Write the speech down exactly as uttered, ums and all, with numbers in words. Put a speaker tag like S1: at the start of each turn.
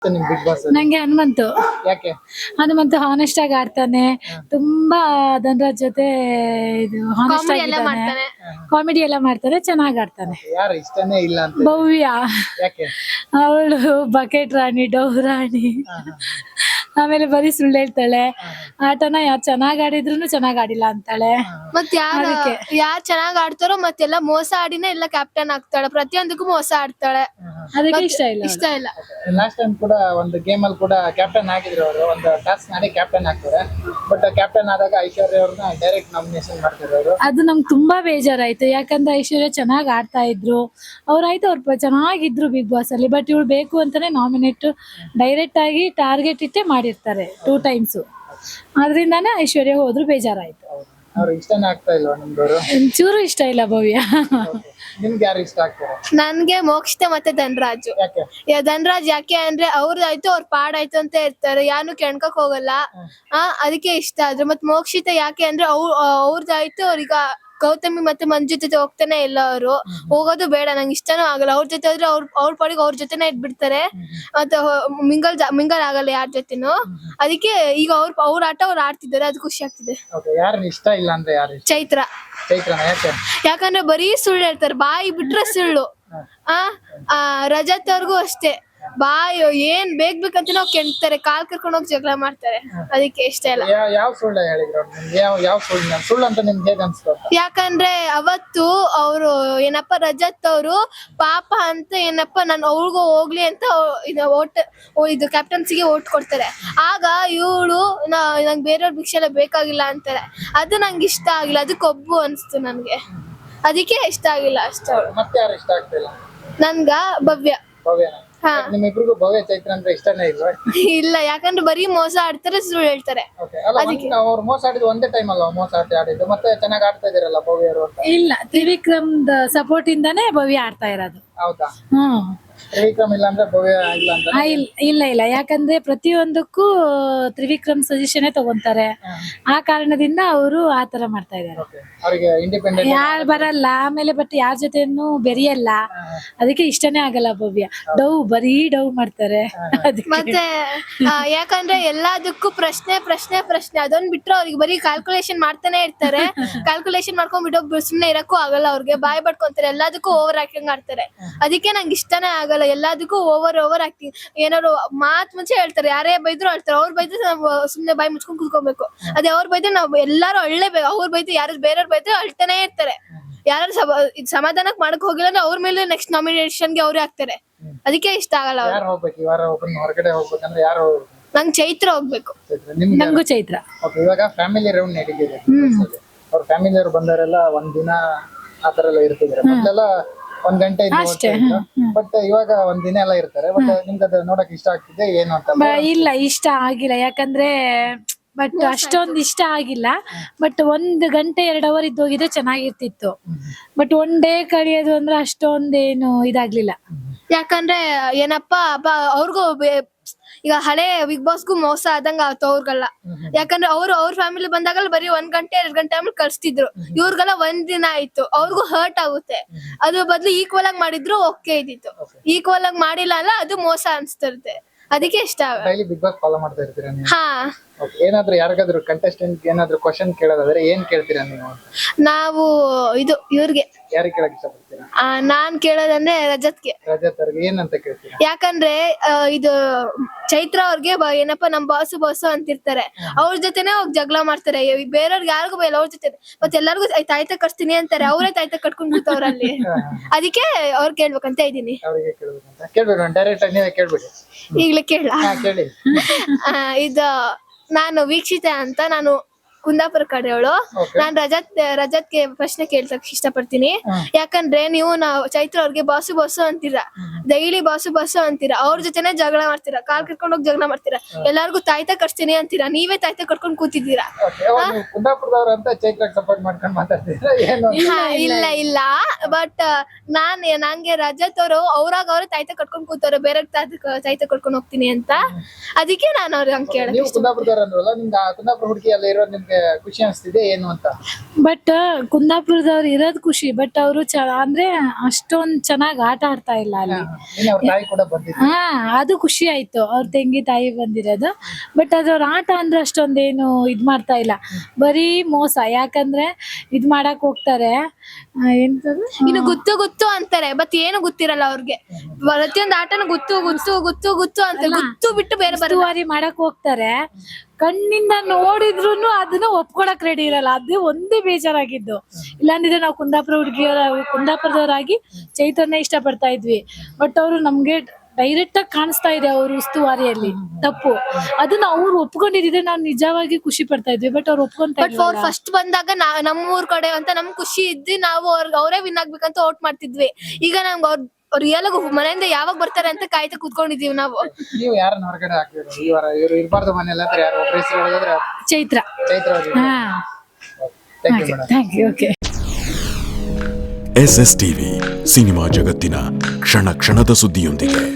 S1: ನಿಮ್ big boss
S2: ನಂಗೆ ಹನುಮಂತು
S1: ಯಾಕೆ
S2: ಹನುಮಂತು ಹಾನೆಸ್ಟ್ ಆಗಿ ಆಡ್ತಾನೆ. ತುಂಬಾ ಧನರಾಜ್ ಜೊತೆ ಇದು ಹಾನೆಸ್ಟ್
S3: ಕಾಮಿಡಿ ಎಲ್ಲ
S2: ಆಗಿದ್ದಾನೆ,
S3: ಮಾಡ್ತಾನೆ.
S2: ಕಾಮಿಡಿ ಎಲ್ಲ ಮಾಡ್ತಾನೆ, ಚೆನ್ನಾಗ್ ಆಡ್ತಾನೆ.
S1: ಯಾರು ಇಷ್ಟನೇ ಇಲ್ಲ ಅಂತ
S2: ಭವ್ಯ
S1: ಯಾಕೆ
S2: ಅವಳು ಬಕೆಟ್ ರಾಣಿ, ಡವ್ ರಾಣಿ, ಆಮೇಲೆ ಬರೀ ಸುಳ್ಳು ಹೇಳ್ತಾಳೆ. ಆಟನ ಯಾರು ಚೆನ್ನಾಗ್ ಆಡಿದ್ರು ಚೆನ್ನಾಗ್ ಆಡಿಲ್ಲ ಅಂತಾಳೆ.
S3: ಮತ್ ಯಾರ
S2: ಅದಕ್ಕೆ.
S3: ಯಾರ್ ಚೆನ್ನಾಗ್ ಆಡ್ತಾರೋ ಮತ್ತೆಲ್ಲ ಮೋಸ ಆಡಿನೇ ಎಲ್ಲ ಕ್ಯಾಪ್ಟನ್ ಆಗ್ತಾಳೆ, ಪ್ರತಿಯೊಂದಕ್ಕೂ ಮೋಸ ಆಡ್ತಾಳೆ.
S2: ಅದಕ್ಕೆ
S3: ಮತ್
S2: ಇಷ್ಟ ಇಲ್ಲ
S3: ಇಷ್ಟ ಇಲ್ಲ.
S1: ಲಾಸ್ಟ್ ಟೈಮ್ ಕೂಡ ಒಂದು ಗೇಮ್ ಅಲ್ಲಿ ಕೂಡ ಕ್ಯಾಪ್ಟನ್ ಆಗಿದ್ರು ಅವರು, ಒಂದು ಟಾಸ್ಕ್ ಮಾಡಿ ಕ್ಯಾಪ್ಟನ್ ಆಗ್ತಾರೆ. ಬಟ್ ಕ್ಯಾಪ್ಟನ್ ಆದಾಗ ಐಶ್ವರ್ಯ ಅವ್ರನ್ನ ಡೈರೆಕ್ಟ್ ನಾಮಿನೇಷನ್ ಮಾಡ್ತಾರೆ ಅವರು.
S2: ಅದು ನಮ್ಗೆ ತುಂಬಾ ಬೇಜಾರಾಯ್ತು. ಯಾಕಂದ್ರೆ ಐಶ್ವರ್ಯ ಚೆನ್ನಾಗ್ ಆಡ್ತಾ ಇದ್ರು, ಅವ್ರಾಯ್ತು ಅವ್ರು ಚೆನ್ನಾಗಿದ್ರು ಬಿಗ್ ಬಾಸ್ ಅಲ್ಲಿ. ಬಟ್ ಇವಳು ಬೇಕು ಅಂತಾನೆ ನಾಮಿನೇಟ್ ಡೈರೆಕ್ಟ್ ಆಗಿ ಟಾರ್ಗೆಟ್ ಇಟ್ಟೆ ಮಾಡಿರ್ತಾರೆ ಟೂ ಟೈಮ್ಸ್. ಅದ್ರಿಂದಾನೇ ಐಶ್ವರ್ಯ ಹೋದ್ರು ಬೇಜಾರಾಯ್ತು.
S1: ಅವ್ರು ಇಷ್ಟನೇ ಆಗ್ತಾ ಇಲ್ವಾ ನಿಮ್ದವರು?
S2: ಒಂಚೂರು ಇಷ್ಟ ಇಲ್ಲ ಭವ್ಯ.
S1: ನಿಮ್ಗೆ ಯಾರು ಇಷ್ಟ ಆಗ್ತಾರೆ?
S3: ನನ್ಗೆ ಮೋಕ್ಷಿತ ಮತ್ತೆ ಧನರಾಜು.
S1: ಯಾಕೆ
S3: ಯಾ- ಧನರಾಜ್ ಯಾಕೆ ಅಂದ್ರೆ ಅವ್ರದಾಯ್ತು ಅವ್ರ ಪಾಡಾಯ್ತು ಅಂತ ಇರ್ತಾರೆ, ಯಾರು ಕೆಣ್ಕಕ್ ಹೋಗಲ್ಲ. ಆ ಅದಕ್ಕೆ ಇಷ್ಟ ಆದ್ರು. ಮತ್ ಮೋಕ್ಷಿತ ಯಾಕೆ ಅಂದ್ರೆ ಅವ್ರ ಅವ್ರದಾಯ್ತು ಅವ್ರೀಗ ಗೌತಮಿ ಮತ್ತೆ ಮಂಜು ಜೊತೆ ಹೋಗ್ತಾನೆ ಇಲ್ಲ, ಅವರು ಹೋಗೋದು ಬೇಡ, ನಂಗೆ ಇಷ್ಟನೂ ಆಗಲ್ಲ. ಅವ್ರ ಜೊತೆ ಆದ್ರೆ ಅವ್ರ ಅವ್ರ ಪಾಡಿಗೆ ಅವ್ರ ಜೊತೆನೆ ಇಟ್ಬಿಡ್ತಾರೆ, ಮತ್ತೆ ಮಿಂಗಲ್ ಮಿಂಗಲ್ ಆಗಲ್ಲ ಯಾರ ಜೊತೆನೂ. ಅದಕ್ಕೆ ಈಗ ಅವ್ರ ಅವ್ರ ಆಟ ಅವ್ರು ಆಡ್ತಿದ್ದಾರೆ, ಅದು ಖುಷಿ ಆಗ್ತಿದೆ.
S1: ಓಕೆ, ಯಾರು ಇಷ್ಟ ಇಲ್ಲ ಅಂದ್ರೆ ಯಾರು ಇಷ್ಟ?
S3: ಚೈತ್ರ.
S1: ಚೈತ್ರನ ಯಾಕೆ?
S3: ಯಾಕಂದ್ರೆ ಬರೀ ಸುಳ್ಳು ಹೇಳ್ತಾರೆ, ಬಾಯಿ ಬಿಟ್ರೆ ಸುಳ್ಳು. ಆ ಆ, ರಜತ್ ಅವ್ರಿಗೂ ಅಷ್ಟೇ, ಬಾಯಿ ಏನ್ ಬೇಕ್ ಬೇಕಂತ ನಾವು ಕೆಣ್ತಾರೆ, ಕಾಲ್ ಕರ್ಕೊಂಡು ಹೋಗಿ ಜಗಳ ಮಾಡ್ತಾರೆ. ಅದಕ್ಕೆ ಇಷ್ಟ ಇಲ್ಲ.
S1: ಯಾವ ಯಾವ ಸುಳ್ಳು ಹೇಳಿದ್ರು ಅವ್ರು ನಿಮ್ಗೆ? ಯಾವ ಯಾವ ಸುಳ್ಳು ಸುಳ್ಳು ಅಂತ ನಿಮ್ಗೆ ಹೇಗೆ ಅನ್ಸ್ತು?
S3: ಯಾಕಂದ್ರೆ ಅವತ್ತು ಅವರು ಏನಪ್ಪ ರಜತ್ ಅವರು ಪಾಪ ಅಂತ ಏನಪ್ಪ ನಾನು ಅವ್ರಿಗೂ ಹೋಗ್ಲಿ ಅಂತ ಇದು ಓಟ್ ಇದು ಕ್ಯಾಪ್ಟನ್ಸಿಗೆ ಓಟ್ ಕೊಡ್ತಾರೆ. ಆಗ ಇವಳು ನಂಗೆ ಬೇರೆಯವ್ರ ಭಿಕ್ಷೆ ಎಲ್ಲ ಬೇಕಾಗಿಲ್ಲ ಅಂತಾರೆ. ಅದು ನಂಗೆ ಇಷ್ಟ ಆಗಿಲ್ಲ, ಅದು ಕೊಬ್ಬು ಅನ್ಸ್ತು ನನ್ಗೆ, ಅದಕ್ಕೆ ಇಷ್ಟ ಆಗಿಲ್ಲ ಅಷ್ಟೇ.
S1: ಮತ್ತೆ ಯಾರು ಇಷ್ಟ ಆಗ್ತಿಲ್ಲ?
S3: ನನ್ಗ ಭವ್ಯ.
S1: ಭವ್ಯನ?
S3: ಹಾ.
S1: ನಿಮ್ಮಿಬ್ರಿಗೂ ಭವ್ಯ ಚೈತ್ರ ಅಂದ್ರೆ ಇಷ್ಟನೇ ಇಲ್ವಾ?
S3: ಇಲ್ಲ, ಯಾಕಂದ್ರೆ ಬರೀ ಮೋಸ ಆಡ್ತಾರೆ, ಸುಳ್ಳು ಹೇಳ್ತಾರೆ.
S1: ಓಕೆ, ಅಲ್ಲ ಒಂದ್- ಅವ್ರು ಮೋಸ ಆಡಿದ್ದು ಒಂದೇ ಟೈಮ್ ಅಲ್ವಾ ಮೋಸ ಆಟ ಆಡಿದ್ದು? ಮತ್ತೆ ಚೆನ್ನಾಗಿ ಆಡ್ತಾ ಇದೀರಲ್ಲ ಭವ್ಯರು ಅಂತ.
S2: ಇಲ್ಲ, ತ್ರಿವಿಕ್ರಮ್ ಸಪೋರ್ಟ್ ಇಂದಾನೇ ಭವ್ಯ ಆಡ್ತಾ ಇರೋದು.
S1: ಹೌದಾ?
S2: ಹ್ಮ್
S1: ತ್ರಿವಿಕ್ರಮ್ ಇಲ್ಲ ಅಂದ್ರೆ ಭವ್ಯ ಇಲ್ಲ ಅಂತ?
S2: ಆ, ಇಲ್- ಇಲ್ಲ ಇಲ್ಲ ಯಾಕಂದ್ರೆ ಪ್ರತಿಯೊಂದಕ್ಕೂ ತ್ರಿವಿಕ್ರಮ್ ಸಜೆಷನ್ ತಗೊಂತಾರೆ. ಆ ಕಾರಣದಿಂದ ಅವರು ಆತರ ಮಾಡ್ತಾ ಇದ್ದಾರೆ.
S1: ಓಕೆ, ಅವರಿಗೆ ಇಂಡಿಪೆಂಡೆಂಟ್
S2: ಯಾರು ಬರಲ್ಲ, ಆಮೇಲೆ ಬಟ್ ಯಾರ ಜೊತೆನು ಬೆರೆಯಲ್ಲ, ಅದಕ್ಕೆ ಇಷ್ಟನೇ ಆಗಲ್ಲ ಭವ್ಯ. ಡವ್ ಬರೀ ಡವ್ ಮಾಡ್ತಾರೆ. ಅದಕ್ಕೆ
S3: ಮತ್ತೆ ಆ, ಯಾಕಂದ್ರೆ ಎಲ್ಲದಕ್ಕೂ ಪ್ರಶ್ನೆ ಪ್ರಶ್ನೆ ಪ್ರಶ್ನೆ ಅದೊಂದ್ ಬಿಟ್ರೆ ಅವ್ರಿಗೆ ಬರೀ ಕ್ಯಾಲ್ಕುಲೇಷನ್ ಮಾಡ್ತಾನೆ ಇರ್ತಾರೆ. ಕ್ಯಾಲ್ಕುಲೇಷನ್ ಮಾಡ್ಕೊಂಡ್ ಬಿಡೋ ಸುಮ್ನೆ ಇರಕ್ಕೂ ಆಗಲ್ಲ, ಅವ್ರಿಗೆ ಬಾಯ್ ಬಡ್ಕೊಂತಾರೆ, ಎಲ್ಲದಕ್ಕೂ ಓವರ್ ಆಕ್ಟಿಂಗ್ ಆಡ್ತಾರೆ. ಅದಕ್ಕೆ ನಂಗೆ ಇಷ್ಟನೇ ಆಗಲ್ಲ, ಎಲ್ಲದಕ್ಕೂ ಓವರ್ ಓವರ್ ಆಕ್ಟಿಂಗ್. ಏನಾದ್ರು ಮಾತ್ ಮುಂಚೆ ಹೇಳ್ತಾರೆ, ಯಾರೇ ಬೈದ್ರು ಹೇಳ್ತಾರೆ, ಅವ್ರು ಬೈದ್ರೆ ನಾವು ಸುಮ್ನೆ ಬಾಯಿ ಮುಚ್ಕೊಂಡ್ ಕೂತ್ಕೋಬೇಕು. ಅದೇ ಅವ್ರು ಬೈದ್ರೆ ನಾವು ಎಲ್ಲಾರು ಅಳ್ಳೇಬೇಕು. ಅವ್ರು ಬೈದ್ರೆ ಯಾರು ಬೇರೆಯವ್ರು ಬೈದ್ರೆ ಅಳ್ತಾನೆ ಇರ್ತಾರೆ. ಯಾರು ಸಮಾಧಾನಕ್ ಮಾಡಕ್ ಹೋಗಿಲ್ಲ ಅಂದ್ರೆ ಅವ್ರ ಮೇಲೆ ನೆಕ್ಸ್ಟ್ ನಾಮಿನೇಷನ್ಗೆ ಅವ್ರೇ ಆಗ್ತಾರೆ. ಅದಕ್ಕೆ ಇಷ್ಟ ಆಗಲ್ಲ ಅವ್ರು.
S1: ಯಾರು ಹೋಗ್ಬೇಕು ಈ ವಾರ? ಒಬ್ಬನ ಹೊರಗಡೆ ಹೋಗ್ಬೇಕಂದ್ರೆ ಯಾರು?
S3: ನಂಗೆ ಚೈತ್ರ ಹೋಗ್ಬೇಕು.
S1: ಚೈತ್ರ. ನಿಮ್ಗೆ ಯಾರು?
S2: ನಂಗೂ ಚೈತ್ರ.
S1: ಓಕೆ, ಇವಾಗ ಫ್ಯಾಮಿಲಿ ರೌಂಡ್ ನಡೀತಿದೆ. ಅವ್ರ ಫ್ಯಾಮಿಲಿ ಅವ್ರು ಬಂದವರೆಲ್ಲ ಒಂದ್ ದಿನ ಆತರ ಎಲ್ಲ ಇರ್ತಿದ್ದಾರೆ. ಮೊದ್ಲೆಲ್ಲ ಒಂದ್ ಗಂಟೆ ಬಟ್ ಇವಾಗ ಒಂದ್ ದಿನ ಎಲ್ಲ ಇರ್ತಾರೆ. ಬಟ್ ನಿಮ್ಗೆ ಅದು ನೋಡಕ್ ಇಷ್ಟ ಆಗ್ತಿದೆ ಏನು ಅಂತ?
S2: ಬ- ಇಲ್ಲ, ಇಷ್ಟ ಆಗಿಲ್ಲ. ಯಾಕಂದ್ರೆ ಬಟ್ ಅಷ್ಟೊಂದು ಇಷ್ಟ ಆಗಿಲ್ಲ. ಬಟ್ ಒಂದ್ ಗಂಟೆ ಎರಡ್ ಅವರ್ ಇದ್ದೋಗಿದ್ರೆ ಚೆನ್ನಾಗಿರ್ತಿತ್ತು. ಬಟ್ ಒನ್ ಡೇ ಕಳಿಯೋದು ಅಂದ್ರೆ ಅಷ್ಟೊಂದೇನು ಇದಾಗ್ಲಿಲ್ಲ.
S3: ಯಾಕಂದ್ರೆ ಏನಪ್ಪಾ ಬ- ಅವ್ರಿಗೂ ಬೆ- ಈಗ ಹಳೆ ಬಿಗ್ ಬಾಸ್ಗೂ ಮೋಸ ಆದಂಗ ಆಯ್ತು ಅವ್ರಿಗೆಲ್ಲ. ಯಾಕಂದ್ರೆ ಅವ್ರು ಅವ್ರ ಫ್ಯಾಮಿಲಿ ಬಂದಾಗಲ್ಲ ಬರೀ ಒಂದ್ ಗಂಟೆ ಎರಡ್ ಗಂಟೆ ಆಮೇಲೆ ಕಳ್ಸ್ತಿದ್ರು. ಇವ್ರಿಗೆಲ್ಲ ಒಂದ್ ದಿನ ಆಯ್ತು, ಅವ್ರಿಗೂ ಹರ್ಟ್ ಆಗುತ್ತೆ. ಅದ್ರ ಬದ್ಲು ಈಕ್ವಲ್ ಆಗಿ ಮಾಡಿದ್ರು ಓಕೆ ಇದ್ದಿತ್ತು. ಈಕ್ವಲ್ ಆಗಿ ಮಾಡಿಲ್ಲ ಅಲ್ಲ, ಅದು ಮೋಸ ಅನ್ಸ್ತಿರುತ್ತೆ. ಅದಕ್ಕೆ ಇಷ್ಟ ಆಗ
S1: ಡೈಲಿ ಬಿಗ್ ಬಾಸ್ ಫಾಲೋ ಮಾಡ್ತಾ ಇರ್ತೀರಾ ನೀವು?
S3: ಹಾ.
S1: Okay, ಏನಾದ್ರು ಯಾರಿಗಾದ್ರು ಕಂಟೆಸ್ಟೆಂಟ್ ಏನಾದ್ರು ಕ್ವಶನ್ ಕೇಳೋದಾದ್ರೆ ಏನ್ ಕೇಳ್ತೀರಾ ನೀವು?
S3: ನಾವು ಇದು ಇವ್ರಿಗೆ
S1: ಯಾರಿಗೆ ಕೇಳಕ್ ಇಷ್ಟಪಡ್ತೀರಾ?
S3: ಆ, ನಾನ್ ಕೇಳೋದಂದ್ರೆ ರಜತ್ಗೆ.
S1: ರಜತ್ ಅವ್ರಿಗೆ ಏನಂತ ಕೇಳ್ತೀರಾ?
S3: ಯಾಕಂದ್ರೆ ಆ, ಇದು ಚೈತ್ರ ಅವ್ರಿಗೆ ಬ- ಏನಪ್ಪಾ ನಮ್ ಬಾಸು ಬಾಸು ಅಂತಿರ್ತಾರೆ, ಅವ್ರ ಜೊತೆನೆ ಹೋಗಿ ಜಗಳ ಮಾಡ್ತಾರೆ. ಬೇರೆಯವ್ರಿಗೆ ಯಾರಿಗೂ ಬೈಲ್ಲ, ಅವ್ರ ಜೊತೆ ಮತ್ತೆ ಎಲ್ಲಾರ್ಗು ತಾಯ್ತ ಕಟ್ತೀನಿ ಅಂತಾರೆ, ಅವರೇ ತಾಯ್ತ ಕಟ್ಕೊಂಡ್ ಕೂತವ್ರಲ್ಲಿ. ಅದಕ್ಕೆ ಅವ್ರು ಕೇಳ್ಬೇಕಂತ ಇದೀನಿ.
S1: ಅವ್ರಿಗೆ ಕೇಳ್ಬೇಕಂತ ಕೇಳ್ಬೇಡಿ, ಡೈರೆಕ್ಟ್ ಆಗಿ ನೀವೇ ಕೇಳ್ಬಿಡಿ.
S3: ಈಗ್ಲೇ ಕೇಳ.
S1: ಹಾ, ಕೇಳಿ.
S3: ಇದು ನಾನು ವೀಕ್ಷಿತ ಅಂತ, ನಾನು ಕುಂದಾಪುರ ಕಡೆಯವಳು.
S1: Okay.
S3: ನಾನ್ ರಜತ್ ರಜತ್ಗೆ ಪ್ರಶ್ನೆ ಕೇಳ್ಸಕ್ ಇಷ್ಟಪಡ್ತೀನಿ. ಯಾಕಂದ್ರೆ ನೀವು ನಾವು ಚೈತ್ರ ಅವ್ರಿಗೆ ಬಾಸು ಬಾಸು ಅಂತೀರಾ, ಡೈಲಿ ಬಾಸು ಬಾಸು ಅಂತೀರಾ, ಅವ್ರ ಜೊತೆನೆ ಜಗಳ ಮಾಡ್ತೀರಾ, ಕಾಲ್ ಕರ್ಕೊಂಡ್ ಹೋಗಿ ಜಗಳ ಮಾಡ್ತೀರಾ, ಎಲ್ಲಾರ್ಗು ತಾಯ್ತ ಕಟ್ತೀನಿ ಅಂತೀರಾ, ನೀವೇ ತಾಯ್ತ ಕಟ್ಕೊಂಡ್ ಕೂತಿದ್ದೀರಾ.
S1: Okay, ಅವಾಗ ನೀವು ಕುಂದಾಪುರದವ್ರು ಅಂತ ಚೈತ್ರಕ್ಕೆ ಸಪೋರ್ಟ್ ಮಾಡ್ಕೊಂಡು ಮಾತಾಡ್ತೀರಾ ಏನು?
S3: ಹಾ, ಇಲ್ಲ ಇಲ್ಲ ಬಟ್ ನಾನ್ ನಂಗೆ ರಜತ್ ಅವರು ಅವ್ರಾಗ ಅವ್ರ ತಾಯ್ತ ಕಟ್ಕೊಂಡ್ ಕೂತವ್ರೆ, ಬೇರೆ ತಾಯ್ತ ಕಟ್ಕೊಂಡ್ ಹೋಗ್ತೀನಿ ಅಂತ. ಅದಕ್ಕೆ ನಾನು ಅವ್ರಿಗೆ ಹಂಗ್ ಕೇಳಕ್
S1: ನೀವು ಕುಂದಾಪುರದವ್ರು ಅಂದ್ರಲ್ಲ, ನಿಮ್ಗೆ ಆ ಕುಂದಾಪುರ ಹುಡುಗಿ ಎಲ್ಲ ಇರೋದು ನಿಮ್ಗೆ ನಿಮ್ಗೆ ಖುಷಿ ಅನಿಸ್ತಿದೆ ಏನು ಅಂತ?
S2: ಬಟ್ ಕುಂದಾಪುರದವ್ರು ಇರೋದ್ ಖುಷಿ, ಬಟ್ ಅವರು ಚ ಅಂದ್ರೆ ಅಷ್ಟೊಂದ್ ಚೆನ್ನಾಗ್ ಆಟ ಆಡ್ತಾ ಇಲ್ಲ ಅಲ್ಲಿ.
S1: ನಿನ್ನೆ ಅವ್ರ ತಾಯಿ ಕೂಡ ಬಂದಿದ್ರು.
S2: ಹಾ ಅದು ಖುಷಿ ಆಯ್ತು, ಅವ್ರ ತಂಗಿ ತಾಯಿ ಬಂದಿರೋದು. ಬಟ್ ಅದ್ರವ್ರ ಆಟ ಅಂದ್ರೆ ಅಷ್ಟೊಂದೇನು ಇದ್ ಮಾಡ್ತಾ ಇಲ್ಲ, ಬರೀ ಮೋಸ. ಯಾಕಂದ್ರೆ ಇದ್ ಮಾಡಕ್ ಹೋಗ್ತಾರೆ, ಆ, ಎಂತದು
S3: ಇನ್ನು ಗುತ್ತು ಗುತ್ತು ಅಂತಾರೆ, ಬಟ್ ಏನು ಗೊತ್ತಿರಲ್ಲ ಅವ್ರಿಗೆ. ಪ್ರತಿಯೊಂದು ಆಟನು ಗುತ್ತು ಗುತ್ತು ಗುತ್ತು ಗುತ್ತು ಅಂತ ಗುತ್ತು ಬಿಟ್ಟು ಬೇರೆ ಬರ
S2: ಉಸ್ತುವಾರಿ ಮಾಡಕ್ ಹೋಗ್ತಾರೆ. ಕಣ್ಣಿಂದ ನೋಡಿದ್ರು ಅದನ್ನ ಒಪ್ಕೊಳಕ್ ರೆಡಿ ಇರಲ್ಲ. ಅದೇ ಒಂದೇ ಬೇಜಾರಾಗಿದ್ದು. ಇಲ್ಲಾಂದಿದ್ರೆ ನಾವು ಕುಂದಾಪುರ ಹುಡುಗಿಯರ ಕುಂದಾಪುರದವರಾಗಿ ಚೈತನ್ಯ ಇಷ್ಟ ಪಡ್ತಾ ಇದ್ವಿ. ಬಟ್ ಅವರು ನಮ್ಗೆ ಡೈರೆಕ್ಟ್ ಆಗಿ ಕಾಣಿಸ್ತಾ ಇದೆ ಅವ್ರ ಉಸ್ತುವಾರಿಯಲ್ಲಿ ತಪ್ಪು. ಅದನ್ನ ಅವ್ರು ಒಪ್ಕೊಂಡಿದ್ರೆ ನಾವು ನಿಜವಾಗಿ ಖುಷಿ ಪಡ್ತಾ ಇದ್ವಿ. ಬಟ್ ಅವ್ರು ಒಪ್ಕೊಂತ
S3: ಬಟ್ ಅವ್ರು ಫಸ್ಟ್ ಬಂದಾಗ ನಾ ನಮ್ಮ ಊರ್ ಕಡೆ ಅಂತ ನಮ್ ಖುಷಿ ಇದ್ವಿ, ನಾವು ಅವ್ರಿಗೆ ಅವರೇ ವಿನ್ ಆಗ್ಬೇಕಂತ ಓಟ್ ಮಾಡ್ತಿದ್ವಿ. ಈಗ ನಮ್ಗೆ ಅವ್ರ ಅವ್ರು ಎಲ್ಲ ಮನೆಯಿಂದ ಯಾವಾಗ ಬರ್ತಾರೆ ಅಂತ ಕಾಯ್ತಾ ಕೂತ್ಕೊಂಡಿದೀವಿ ನಾವು.
S1: ನೀವು ಯಾರನ್ನ ಹೊರಗಡೆ ಹಾಕಿದ್ರು ಈ ವಾರ? ಇವರು ಇರಬಾರ್ದು ಮನೆಯಲ್ಲ ಅಂದ್ರೆ ಯಾರು ಒಬ್ಬರ ಹೆಸರು ಹೇಳಿದ್ರೆ?
S2: ಚೈತ್ರ.
S1: ಚೈತ್ರ ಅವರು.
S2: ಹಾ
S1: thank you madam.
S2: Thank you. Okay.
S4: S S TV cinema ಜಗತ್ತಿನ ಕ್ಷಣ ಕ್ಷಣದ ಸುದ್ದಿಯೊಂದಿಗೆ.